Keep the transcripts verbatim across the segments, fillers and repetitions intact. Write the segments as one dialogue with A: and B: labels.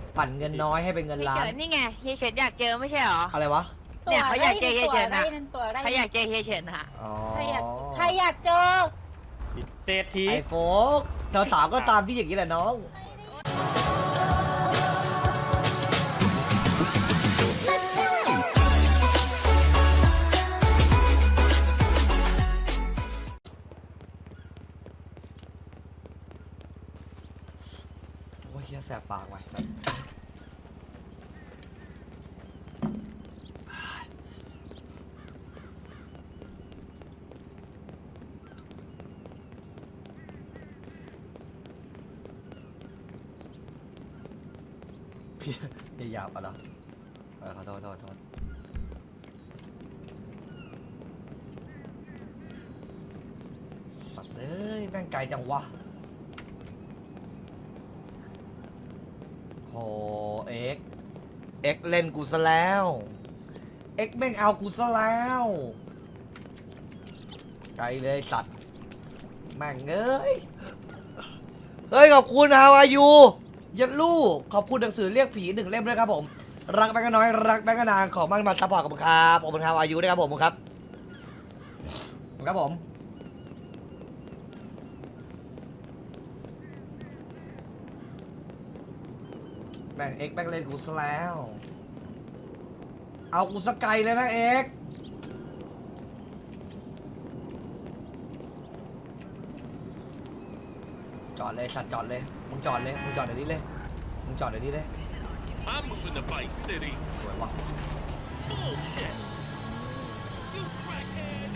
A: ปั่นเงินน้อยให้เป็นเงิน
B: เฮีย
A: ล้า
B: เฉิ
A: น
B: นนี่ไงเฮียเฉินอยากเจอไม่ใช่หรอ
A: อะไรวะ
B: เนี่ยเขาอยากเจอเฮียเฉินอะ
C: ตัวอะไร
B: เขาอยากเจอเฮียเฉินอะ
A: อ๋อ
C: ใครอยากใครอยากเจอ
D: เศรษฐี
A: ไอโฟกสาวๆก็ตามพี่อย่างนี้แหละน้องโอ้ยเฮียแสบปากไว้สัสพี่พี่หยาบอ่ะเหรอเออขอโทษขอโทษขอโทษสัตว์เอ้ยแม่งไกลจังวะโหเอ็กเอ็กเล่นกูซะแล้วเอ็กแม่งเอากูซะแล้วไกลเลยสัตว์แม่งเอ้ยเฮ้ยขอบคุณ How are you ยันลูกขอบคุณหนังสือเรียกผีหนึ่งเล่มด้วยครับผมรักแบงก์น้อยรักแบงก์นางขอมั่นมาซัพพอร์ตกับผมครับขอบคุณ How are you ด้วยครับผมครับครับผมแม่งเอ็กแม่งเล่นกูซะแล้วเอากูสกายเลยนะเอ็กจอดเลยสัตว์จอดเลยมึงจอดเลยมึงจอดเดี๋ยวนี้เลยมึงจอดเดี๋ยวนี้เลย
E: I'm moving to Vice City.
A: สวยว่ะ
E: Bullshit. You crackhead.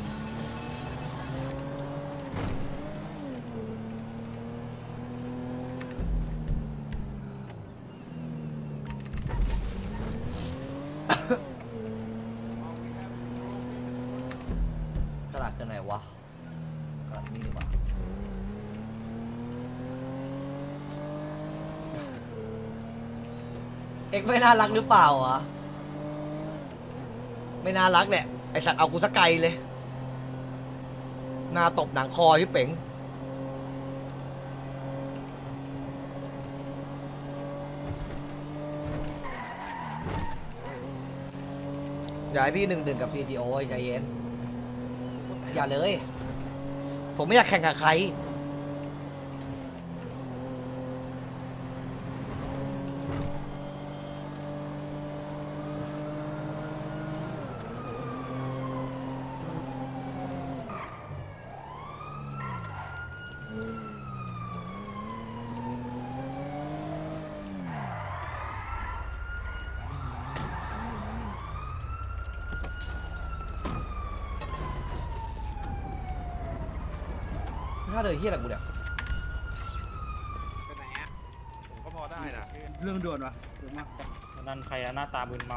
A: กระดาษกันไหนวะกระดาษนี่ดีกว่าเอ็กไม่น่ารักหรือเปล่าวะไม่น่ารักแหละไอสัตว์เอากูสกไกลเลยหน้าตบหนังคอที่เป๋งอย่าให้พี่หนึ่งหนึ่งกับ ซี จี โอ ใจเย็นอย่าเลย ผมไม่อยากแข่งกับใครถ้าเดินเฮี้ยอะไรกูเนี่ย
D: ไปไหนอ่ะ
E: ผมก็พอได้นะ
D: เรื่องด่วนวะด่วนมากนั่นใครอะหน้าตามึนเมา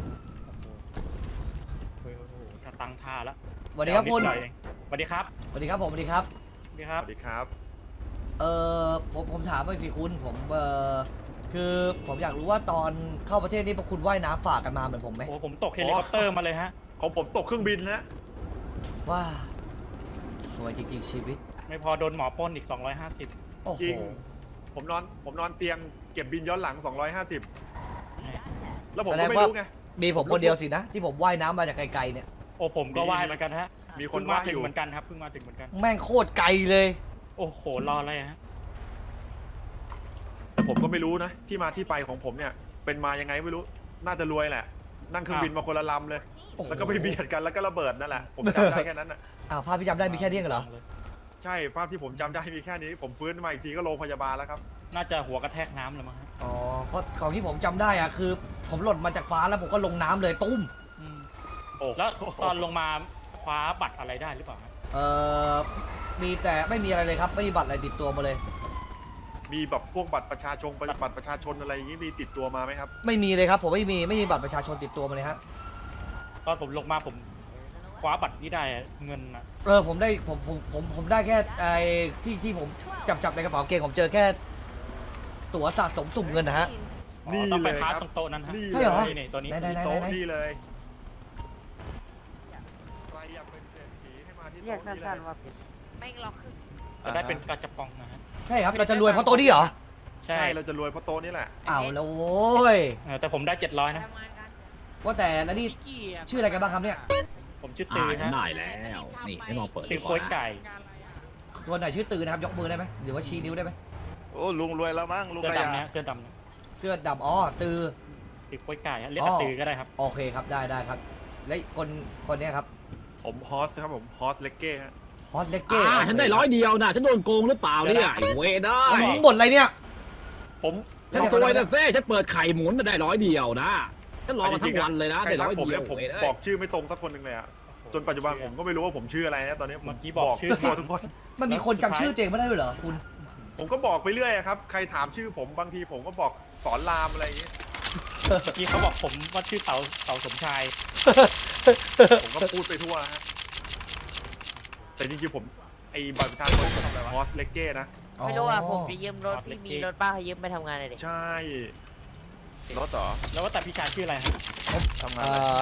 D: โอ้โหโอ้โหจะตั้งท่าแล้ว
A: สวัสดีครับคุณ
D: สวัสดีครับ
A: สวัสดีครับผมสวัสดีครับ
D: สวัสดีค
E: ส
D: รับ
E: วัสดีครับ
A: เออผมผมถามไปสิคุณผมเออคือผมอยากรู้ว่าตอนเข้าประเทศนี้พวกคุณว่ายน้ำฝากกันมาเหมือนผมไหม
D: โอ้ผมตกเฮลิคอปเตอร์มาเลยฮะ
E: ของผมตกเครื่องบินแล้ว
A: ว่าสวยจริงๆชีวิต
D: ไม่พอโดนหมอปล้นอีกสองร้อยห้าสิบ
A: โอ้โห
E: จริง ผมนอนผมนอนเตียงเก็บบินย้อนหลังสองร้อยห้าสิบแล้วผมก็ไม่รู้ไง
A: มีผมคนเดียวสินะ ที่ผมว่ายน้ำมาจากไกลๆเนี่ย
D: โอ้ผมก็ว่ายเหมือนกันฮะ
E: มีค
D: เพิ่
E: น
D: งมา
E: ว่า
D: ถึ
E: อง ยู่
D: เหมือนกันครับเพิ่งมาถึงเหมือนกัน
A: แม่งโคตรไกลเลย
D: โอ้โหรออะไรฮะ
E: แต่ผมก็ไม่รู้นะ ที่มาที่ไปของผมเนี่ย เป็นมายังไงไม่รู้ น่าจะรวยแหละ นั่งเครื่องบินมาคนละลำเลย
A: โอ้โห
E: แล้วก็ไปเบียดกันแล้วก็ระเบิดนั่นแหละ ผมจำได้แค่นั้นน่ะ
A: อ้าวภาพที่จำได้มีแค่นี้เหรอ
E: ใช่ ภาพที่ผมจำได้มีแค่นี้ ผมฟื้นมาอีกทีก็โรงพยาบาลแล้วครับ
D: น่าจะหัวกระแทกน้ำเลยมั้งฮะ
A: อ๋อเพราะของที่ผมจำได้อะคือ ผมหล่นมาจากฟ้าแล้วผมก็ลงน้ำเลยตุ้ม
D: อืม
E: โอ้
D: แล้วตอนลงมาคว้าบัตรอะไรได้หรือเปล่าฮะ
A: เอ่อมีแต่ไม่มีอะไรเลยครับไม่มีบัตรอะไรติดตัวมาเลย
E: มีแบบพวกบัตรประชาชนบัตรประชาชนอะไรอย่างนี้มีติดตัวมาไหมครับ
A: ไม่มีเลยครับผมไม่มีไม่มีบัตรประชาชนติดตัวมาเลยฮะ
D: ตอนผมลงมาผมคว้าบัตรนี้ได้เงินนะ
A: เออผมได้ผมผมผมผมได้แค่ไอ้ที่ที่ผมจับจับในกระเป๋าเกงผมเจอแค่ตั๋วสะสมสุ่มเงินนะฮะ
D: อ๋อ
E: นี่
D: ต้องไป
E: เลย
D: คว้า
E: ครับ
D: ตรงโต๊ะนั้นฮะ
E: นี่
A: ใช่เหรอ
D: นี่ตัวนี้
A: ไหนไหนไหน
E: โต๊ะ
A: ไหน
E: นี่เลยใครอยากเป็นเศรษฐีให้มาที่
F: เรียก
E: โต๊ะนี่เล
F: สั้น
E: ย
F: ๆว่าเป็น
B: ไม่ล็อกคือ
D: จะได้เป็นกระจับปองนะฮะ
A: ใช่ครับเราจะรวยเพราะตัวนี้เหรอ
D: ใช่
E: ใช่เราจะรวยเพราะโต๊ะนี่แหละ
A: เอาแล้วโว้ย
D: เออแต่ผมได้เจ็ดร้อยนะ
B: ทำงานกัน
A: ว่าแต่แล้วนี่ชื่ออะไรกันบ้างครับเนี่ย
D: ผมชื่อ
F: อ่า
D: ตือ
F: ฉัน
D: ฮะ
F: ได้แล้ว นี่ให้มองเปิด
D: ตื
F: ดี
D: อก
F: ว่า
D: โค้ยไก่
A: คนไหนชื่อตือนะครับยกมือได้ไหมหรือว่าชี้นิ้วได้ไหม
G: โอ้ลุงรวยแล้วมั้งลุง
D: เสื้อก
G: ระยา
D: ดำเนี่ยเสื้อดำเนี่ย
A: เสื้อดำอ๋อตือ
D: ตือโค้ยไก่ฮะเรียก
A: อ๋อ
D: ว่าตือก็ได้ครับ
A: โอเคครับได้ได้ครับ และคนคนเนี้ยครับ
E: ผมฮอสครับผมฮอสเลกเก้ฮะ
A: ฮอสเลกเก้
F: อ่าฉันได้ร้อยเดียวนะฉันโดนโกงหรือเปล่าเนี่ยไอ้เวได้
A: มึงบ่นอะไรเนี่ย
E: ผม
F: ฉันซวยนะเซ่ฉันเปิดไข่หมุนน่ะได้ร้อยเดียวนะฉันรอมาทั้งวันเลยนะ
E: ใคร
F: ได้
E: ทั
F: ร้
E: ก
F: อย
E: ผม
F: เดีย
E: เนี่
F: วย
E: ผม
F: เว้ยได้
E: บอกชื่อไม่ตรงสักคนหนึ่งเลยอะจนปัจจุบันผมก็ไม่รู้ว่าผมชื่ออะไรนะตอนนี้ผม
D: เมื่อกี้บอกชื่อ
E: ทั่วทุกคน
A: มันมีคนจำชื่อเจงไม่ได้ด้วยเหรอคุณ
E: ผมก็บอกไปเรื่อยอะครับใครถามชื่อผมบางทีผมก็บอกสอนรามอะไรอย่างเงี้ย
D: เมื่อกี้เขาบอกผมว่าชื่อเต๋าเต๋าสมชาย
E: ผมก็พูดไปทั่วฮะแต่จริงๆผมไอ้บัตรประชาชนผมฮอสเลกเก้นะ
B: ไม่รู้อ่ะ
A: อ๋อ
B: ผมจะยืมรถพี่มีรถป้าให้ยืมไปทำงานเลยดิ
E: ใช่
G: รถต่อ
D: แล้วว่าแต่พี่ชายชื่ออะไรฮะ
G: ทำงาน
A: เอ่
G: อะไร
A: อ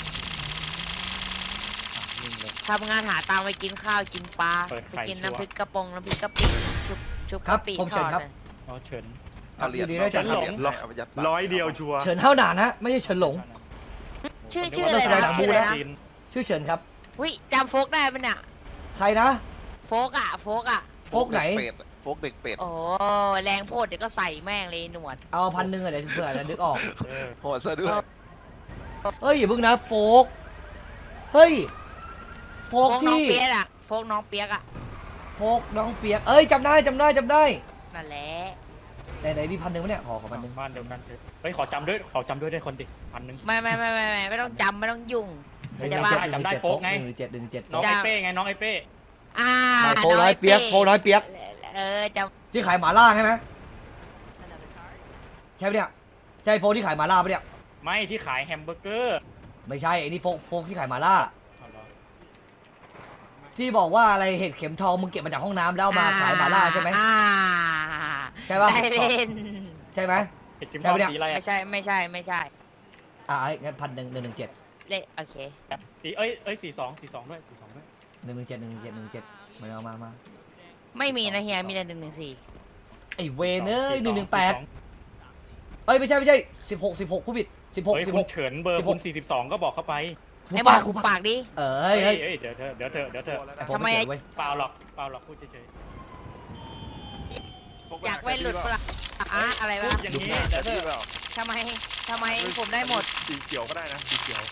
B: ทำงานหาตังค์ไปกินข้าวกินปลาไปกินน้ำพริกกระปงน้ำพริกกะปิชุบชุบ
A: ครับ
B: กะปิ
A: ผมเฉินครับ
B: ทอดเลย
D: อ๋อเฉิน
G: เอาเหรียญ
A: อยู่ดีได้จัด
G: เอาเหรียญให้เอาไปยัดปาก
E: ร้อยเดียวชัวร์
A: เฉินเท่าหนานนะไม่ใช่เฉินหลง
B: ชื่อ
D: ผม
B: ชื่อ
D: นึ
B: อะไร
D: กว่า
B: นะ
D: นักแสดง
B: ชื่ออะไรนะ
D: จีน
A: ชื่อเฉินครับ
B: วิจำโฟกได้ปะเนี่ย
A: ใครนะ
B: โฟกอ่ะโฟกอ่ะ
A: โฟกไหน
G: เด็เป็ดโฟกเด็กเป็ด
B: โอ้แรงโพดเดี๋ยวก็ใส่แม่งเลยหนวด
A: เอาพันหนึ่งอะเดี๋ยวเผื่อจะนึกออก
D: เออ
G: โหดซะด้วย
A: เฮ้ยอย่าเพิ่งนะโฟกเฮ้ยโฟ
B: โฟ
A: ก
B: กน้อง
A: ที่
B: เปียกอ่ะโฟกน้องเปียกอ่ะ
A: โฟกน้องเปียกเอ้ยจำได้จำได้จำได้
B: นั่นแหละ
A: ไหนไหนมีพันหนึ่งไหมเนี่ยขอขอพันหนึ่ง
D: บ้านเดียวกันเถอะเฮ้ยขอจำด้วยขอจำด้วยได้คนดิพันหนึ่ง
B: ไม่ไม่ไม่ไม่ไม่ไม่ต้องจำไม่ต้องยุ่ง
D: เฮ้ย
B: จะ
D: จำ
B: บ้า
D: ได้จำได้โฟกไง
A: หนึ่งเจ็ดหนึ่งเจ็ด
D: น้องไอเป้ไงน้องไอเป้
B: อ่า
A: โฟกน้อยเปียกโฟกน้อยเปียก
B: เออจ
A: ที่ขายหมาล่าใช่ไหมใช่ปะเนี่ยใช่โฟกที่ขายหมาล่าปะเนี่ย
D: ไม่ที่ขายแฮมเบอร์เกอร์
A: ไม่ใช่ไอ้นี่โฟกโฟกที่ขายหมาล่า
D: เอาเหรอ
A: ที่บอกว่าอะไรเห็ดเข็มทองมึงเก็บมาจากห้องน้ำแล้ว
B: ำ
A: เอามาขายหมาล่าใช่ไหม
B: อ่า
A: ใช่ปะ
B: ได้เล่น
A: ใช่ไหม
D: เห็ดกิม
A: ใช่
D: ทอง
A: ปะเนี่ย
D: สีอะไร
B: ไม่
D: อะ
B: ใช่ไม่ใช่ไม่ใช่
A: อ่างั้นพันหนึ่งหนึ่งหนึ่งเจ็ด
B: เล่นโอเค
D: สีเอ้ยเอ้ยสีสองสีสองด้วยสีสองด้วย
A: หนึ่งหนึ่งเจ็ดหนึ่งเจ็ดหนึ่งเจ็ดมาเอามามา
B: ไม่มีนะเฮียมีแต่หนึ่งหนึ่งสี่
A: ไอ้เวนเอ้ยห
D: สี
A: นึ่งห
D: ส
A: นึ่งแปดเอ้ยไม่ใช่ไม่ใช่สิบหกสิบหกผู้ผิดสิบหก
D: เฮ้ย
A: สิบ
D: คุ
A: ห
D: ณ
A: ก
D: เฉินเบอร์คุณสี่สิบสองก็บอกเข้าไป
A: กู
B: ไอ้บ
A: ปา
B: อก
A: กู
B: กู
A: ปาก
B: ปากดิ
A: เอ้
D: เฮ้
A: ย
D: ย
A: เฮ้ย
D: เฮ้ยเดี๋ยวเถอะเดี๋ยวเถอะเดี๋ยวเถอะ
A: ไอ้โฟก
B: ทำไม
A: เขียนเว้ย
D: เปล่าหรอกเปล่าหรอกพูดเฉย
B: อยากเว้นหลุดปะล่ะอ่ะอะไร
D: ๆ
B: วะ
D: พูดอย่างนี้เดี๋ยวเถ
G: ดีเป
D: อะ
G: ล่า
B: ทำไมทำไมผมได้หมด
E: สีเขียวก็ได้นะสีเขียว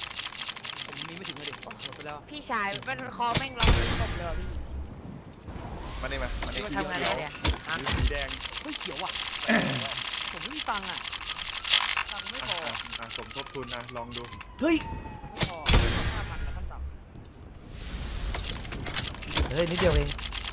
B: พี่ชายเป็นคอแม่งร้องเป็นศพเลยว่ะพี่
G: มานี่มามานี่
B: มาทำงานอะไรเนี่ยอ่ะ
E: สีแดง
H: เฮ้ยเขียวอ่ะ ผมไม่มีตังค์อ่ะ ตังค์ไม่พอ
E: อ่ะอ่ะสมทบทุนนะลองดู
A: เฮ้ย
H: ไม่พอห้าพันนะขั้นต่
A: เฮ้ยนิดเดียวเอง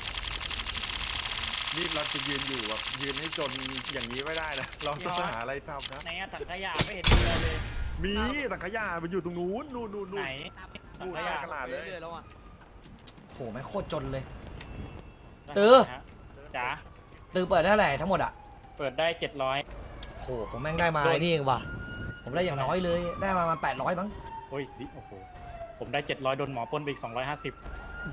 E: นี่เราจะยืนอยู่แบบยืนให้จนอย่างนี้ไม่ได้นะเราต้องหาอะไรทำนะ
D: ไหนอะถังขยะไม่เห็นมีอะไรเลย
E: มีแต่ขยะมันอยู่ตรงนู้นนู่นนู่นนู่
D: ไหน
E: น
D: ถั
E: นู่
D: ง
E: น
D: ข
E: ห
D: ยะ
E: น้ากระดาษ
H: ำ
E: เลย
H: เรื่อยๆแล้วอ่ะ
A: โหแม่งโคตรจนเลย ตื้อ
D: จ๋า
A: ตือเปิดได้เท่าไหร่ทั้งหมดอ่ะ
D: เปิดได้เจ็ดร้อย
A: โหผมแม่งได้มาไอ้นี่เองว่ะผมได้อย่างน้อยเลยได้มาประมาแปดร้อยมั้ง
D: โอ้ยดิโอ้โหผมได้เจ็ดร้อยโดนหมอปล้นไปอีกสองร้อยห้าสิบ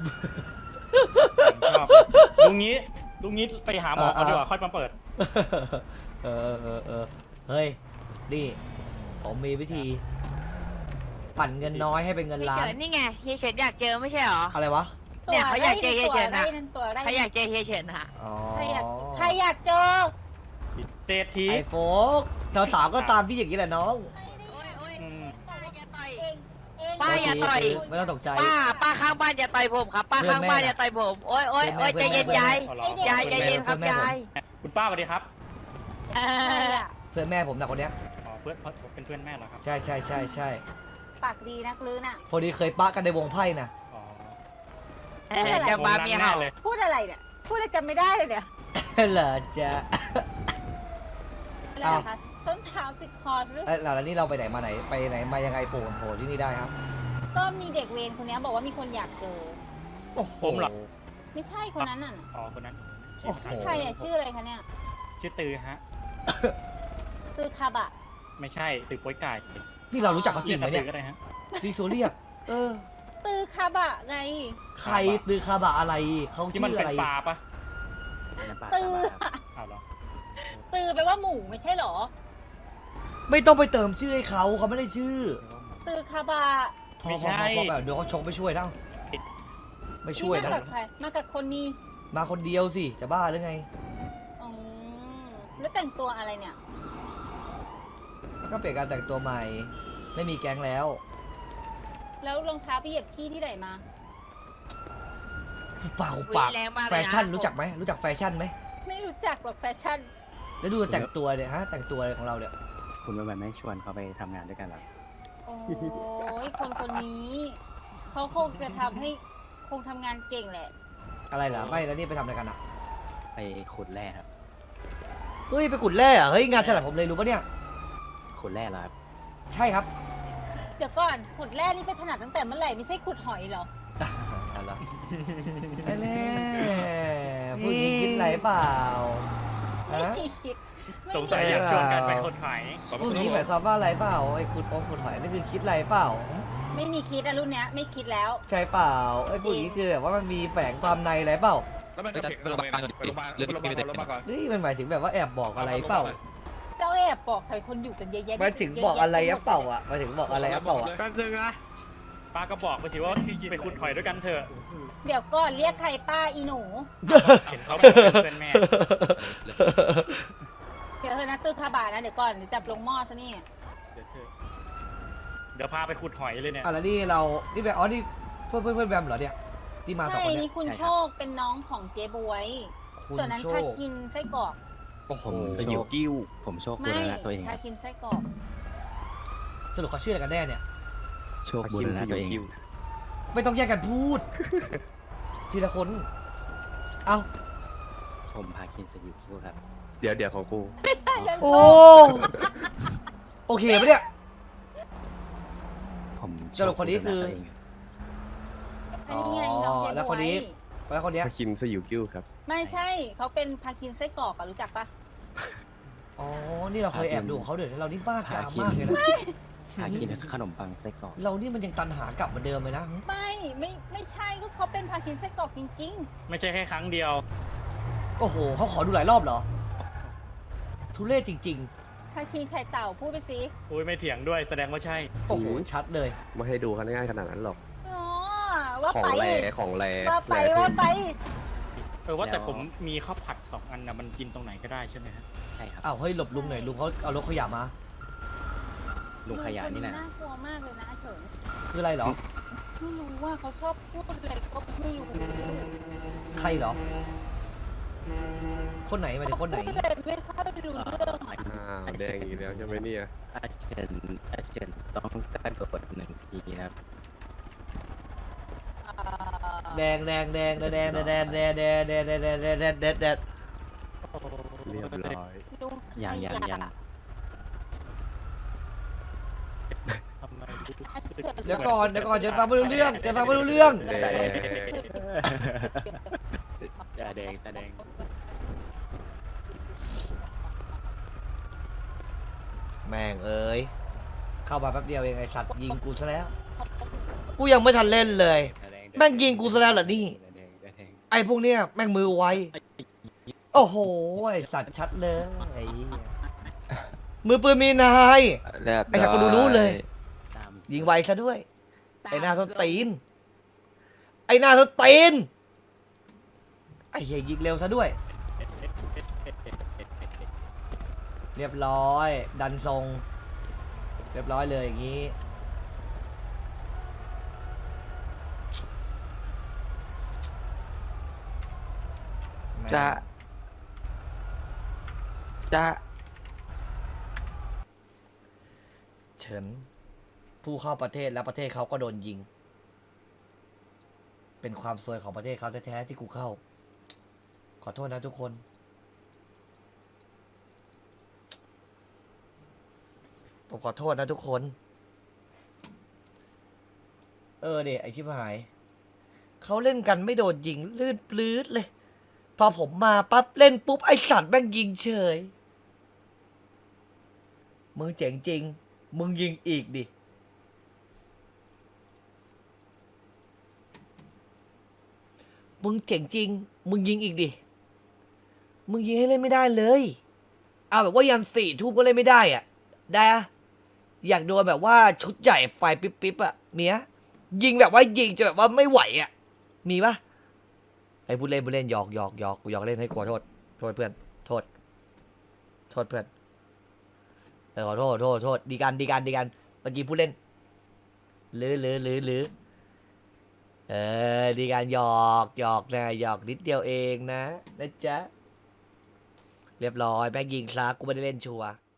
D: ชอบลุงนี้ลุงนี้ไปหาหมอก่อนดีกว่าค่อยมาเปิด
A: เออเออเออเฮ้ยนี่ผมมีวิธี ปั่นเงินน้อยให้เป็นเงิน
B: เฮีย
A: ล้า
B: เฉิ
A: น
B: นนี่ไงเฮียเฉินอยากเจอไม่ใช่เหรอ
A: อะไรวะ
B: เนี่ยเขาอยากเจอเฮียเฉิน
C: ตัว
B: อะ
C: ไรนั่นตัวไร
B: เขาอยากเจอเฮียเฉินอะ
A: อ๋อ
C: ใครอยากใครอยากเจอ
D: เศรษฐี
A: ไอโฟกสาวๆก็ตามพี่อย่างนี้แหละน้อง
D: อืม
C: เองเอง
B: ป้าอย่าต่อย
A: ไม่ต้องตกใจ
B: ป้าป้าข้างบ้านอย่าต่อยผมครับ ป้าข้างบ้านอย่าต่อยผม โอ๊ยโอ๊ยโอ๊ยใจเย็นยาย
D: เอาเหรอย
B: ายใจเย็นครับยาย
D: คุณป้าสวัสดีครับ
B: เออ
A: เพื่อนแม่ผมนะคนเนี้ย
D: อ๋อเพื่อนผมเป็นเพื่อนแม่เหรอครับ
A: ใช่ใช่ใช่ใช่
C: ปากดีนักลือน่ะ
A: พอดีเคยปะกันในวงไพ่นะ
D: อ๋อ
B: เออจะบ้าเมีย
D: แน่
B: เขา
D: เลย
C: พูดอะไรเนี่ยพูดอะไรจำไม่ได้เลยเนี่ย
A: เหรอจ๊ะ
C: อะไรนะคะส้นเท้าติดคอหรือ
A: เอ้ยแล้วนี่เราไปไหนมาไหนไปไหนมายังไงโผล่โผล่ที่นี่ได้ครับ
C: ก็มีเด็กเวรคนนี้บอกว่ามีคนอยากเจอ
A: โอ้โห
D: ผมเหรอ
C: ไม่ใช่คนนั้นน่ะ
D: อ๋อคนนั้น
A: โอ้โห
C: ใครอะชื่ออะไรคะเนี่ย
D: ชื่อตือฮะ
C: ตือคาบะ
D: ไม่ใช่ตือโป้ยไก่
A: นี่เรารู้จักเขาจริงไหมเนี่ย
D: ตือก็ได้ฮะ
A: ซีโซเรียกเออ
C: ตือคาบะไง
A: ใครตือคาบะอะไรเขา
D: ที่
A: ชื่
D: มัน
A: อ
D: เป็
A: อะ
D: น
A: ไร
D: ปลาปะ
C: ตือ
D: เอาเหรอ
C: ตือแปลว่าหมูไม่ใช่เหรอ
A: ไม่ต้องไปเติมชื่อให้เขาเขาไม่ได้ชื่อ
C: ตือคาบา
A: พอพอพอพอแบบเดี๋ยวเขาชกไม่ช่วยแล้วไม่ช่วย
C: นี่
A: นะ
C: มากับใครมากับคนนี้
A: มาคนเดียวสิจะบ้าหรือไง
C: อืมแล้วแต่งตัวอะไรเนี่ย
A: ก็เปลี่ยนการแต่งตัวใหม่ ไม่มีแก๊งแล้ว
C: แล้วรองเท้าไปเหยียบขี้ที่ไหนมา
A: เปล่า
B: อุ๊ย
A: ปาก
B: แรงมากเลยนะ
A: แฟชั่นรู้จักไหมรู้จักแฟชั่นไหม
C: ไม่รู้จักหรอกแฟชั่น
A: แล้วดูแต่งตัวเนี่ยฮะแต่งตัวอะไรของเราเนี่ย
I: คุณไม่ไม่ชวนเขาไปทำงานด้วยกันหรอ
C: โอ้ยคนคนนี้ เขาคงจะทำให้คงทำงานเก่งแหละ
A: อะไรเหรอไม่แล้วนี่ไปทำอะไรกันอ่ะ
I: ไปขุดแร่ครับ
A: เฮ้ยไปขุดแร่เหรอเฮ้ยงานถนัดผมเลยรู้ปะเนี่ย
I: ขุดแร่เหรอครับ
A: ใช่ครับ
C: เดี๋ยวก่อนขุดแร่นี่ไปถนัดตั้งแต่เมื่อไหร่ไม่ใช่ขุดหอยเหรอ
A: อะไรแน่ผู้หญิงคิดอะไรเปล่า
C: ไม่
A: ฮะ
C: คิด
D: สงสัยอยากชวนกันไปคนหาย
A: ผู้หญิงหมายความว่าอะไรเปล่าไอ้ขุดองขุดหอยนี่คือคิดอะไรเปล่า
C: ไม่มีคิดอะรุ่นเนี้ยไม่คิดแล้ว
A: ใช่เปล่าไอ้ผู้หญิงคือแบบว่ามันมีแฝงความในอะไรเปล่า
G: แล้วมันจะเพลงเราไปโรงพยาบาลโรงพยาบาลโรงพยาบาลก่อน
A: เฮ้ยมันหมายถึงแบบว่าแอบบอกอะไรเปล่า
C: เจ้าแอบบอกใครคนอยู่กันเยอะแยะ
A: หมายถึงบอกอะไรอะเปล่าอ่ะหมายถึงบอกอะไรอะเปล่าอ่ะ
D: แป๊บนึงนะป้าก็บอกไปสิว่าไปขุดหอยด้วยกันเถอะ
C: เดี๋ยวก่อนเรียกใครป้าอีหนู
D: เห็นเขาบอกเป็นเพื่อนแม่
C: เดี๋ยวเธอนะตื้อคาบานะเดี๋ยวก่อนเดี๋ยวจับลงหม้อซะนี่
D: เดี๋ยวเถอะเดี๋ยวพาไปขุดหอยเลยเนี่ย
A: อ่ะแล้วนี่เรานี่แบบอ๋อนี่เพื่อนเพื่อนเพื่อนแบมเหรอเนี่ยที่มาสอง
C: ใช่
A: คนเนี่
C: นี่
A: ย
C: คุณโชคเป็นน้องของเจ๊บวย
A: คุณ
C: ส่วนนั้น
A: โช
C: พา
A: ค
C: คินไส้กรอก
I: ผมสยิวกิ้ว ผมโชคบุ
C: ไม่
I: รณะตัวเองค
C: พา
I: รับ
C: คินไส้กรอก
A: สรุปเขาชื่ออะไรกันแน่เนี่ย
I: โชคบุรณะตัวเอง
A: ไม่ต้องแยกกันพูด ทีละคน เอ้า
I: ผมพาคินสยิวกิ้วครับ
G: เดี๋ยวเดี๋ยวของกู
C: ไม่ใช่แล้ว
A: โอ้
C: โชค
A: โอเคปะเนี่ย
I: ผมโช
A: สรุปคนนี้คือ
I: บุรณะตัวเงรับ
C: อันนี้ไงน้องเจ๊
A: แล้ว
C: บ
A: ค
C: วน
A: นี้
C: ย
A: แล้วคนเนี้ย
G: คินสยิวกิ้วครับ
C: ไม่ใช่เขาเป็นพาคินไส้กรอกอะรู้จักปะ
A: อ๋อ นี่เราเคยแอบดูของเขาเดี๋ยวเรานี่บ้ากามมากเลยนะ
I: พาคินขนมปังไส้กรอก
A: เรานี่มันยังตันหากลับเหมือนเดิมเลยนะ
C: ไม่ไม่ไม่ใช่ก็เขาเป็นพาคินไส้กรอกจริง
D: ไม่ใช่แค่ครั้งเดียว
A: โอ้โหเขาขอดูหลายรอบเหรอ ทุเรศจริง
C: ๆพาคินไข่เต่าพูดไปสิ
D: อุ้ยไม่เถียงด้วยแสดงว่าใช่
A: ๆ โอ้โห ชัดเลย
G: ไม่ให้ดูกันง่ายขนาดนั้นหรอก
C: อ๋อว่า
G: ของ
C: ไป
G: แรของแร
C: ว่าไป
G: แร
C: ว่าไป
D: เออว่าแต่ผมมีข้าวผัดสองอันนะมันกินตรงไหนก็ได้ใช่ไหมฮะ
I: ใช่ครับ
A: อ้าว เฮ้ย หลบลุงหน่อยลุงเขาเอารถขยะมา
I: ลุงขยะนี่นะ
C: น่ากลัวมากเลยนะอาเฉิน
A: คืออะไรเหรอ
C: ไม่รู้ว่าเขาชอบพูดอะไรก็ไม่รู้
A: ใครเหรอ คนไหนหมายถึงคนไหน
C: พูดอะไรไม่ค่อยรู้เรื่องอะ
G: อ้าวแดงอีกแล้วใช่ไหมเนี่ย
I: อาเชนอาเชนต้องกระโดดหนึ่งทีนะครับ
A: แดงแดงแดงแดงแดงแดงแดงแดงแดงแดงแดงแดงแดงแดงแดง
G: เรียบร้อย
C: ลุง
I: อย่างอย่างอย่าง
D: ทำไม
C: อาเฉิน
A: เดี๋ยวก่อนเดี๋ยวก่อนจะฟังไม่รู้เรื่องจะฟังไม่รู้เรื่อง
G: แดง
I: ตาแดงตาแดง
A: แม่งเอ้ยเข้ามาแป๊บเดียวเองไอสัตว์ยิงกูซะแล้ว กูยังไม่ทันเล่นเลย
I: ตาแดง
A: แม่งยิงกูซะแล้วเหรอนี่
I: ตาแดงตาแดง
A: ไอพวกเนี้ยแม่งมือไว โอ้โหไอสัตว์ชัดเลยไอ้เหี้ยมือปืนมีนาย ไอ้สัตว์กูดูรู้เลย
I: ตาม
A: ยิงไวซะด้วย ไอหน้าส้นตีน ไอหน้าส้นตีน ไอเหี้ยยิงเร็วซะด้วย เรียบร้อย ดันทรง เรียบร้อยเลยอย่างนี้
G: จะจะ
A: เฉินผู้เข้าประเทศแล้วประเทศเขาก็โดนยิง เป็นความซวยของประเทศเขาแท้ๆที่กูเข้า ขอโทษนะทุกคน ผมขอโทษนะทุกคน เออเด็ไอชิบหาย เขาเล่นกันไม่โดนยิงลื่นปลื้ดเลย พอผมมาปั๊บเล่นปุ๊บไอสัตว์แม่งยิงเฉย มึงเจ๋งจริง มึงยิงอีกดิ มึงเจ๋งจริง มึงยิงอีกดิ มึงยิงให้เล่นไม่ได้เลยเอาแบบว่ายันสี่ทุ่มก็เล่นไม่ได้อ่ะได้อะอยากโดนแบบว่าชุดใหญ่ไฟปิ๊บปิ๊บอ่ะมีอะยิงแบบว่ายิงจะแบบว่าไม่ไหวอ่ะมีปะไอ้ผู้เล่นผู้เล่นหยอกหยอกหยอกกูหยอกเล่นให้ขอโทษโทษเพื่อนโทษโทษเพื่อนเออขอโทษโทษโทษดีกันดีกันดีกันเมื่อกี้ผู้เล่นหรือหรือหรือหรือเออดีกันหยอกหยอกนะหยอกนิดเดียวเองนะนะจ๊ะเรียบร้อยแม่งยิงซะกูไม่ได้เล่นชัวร์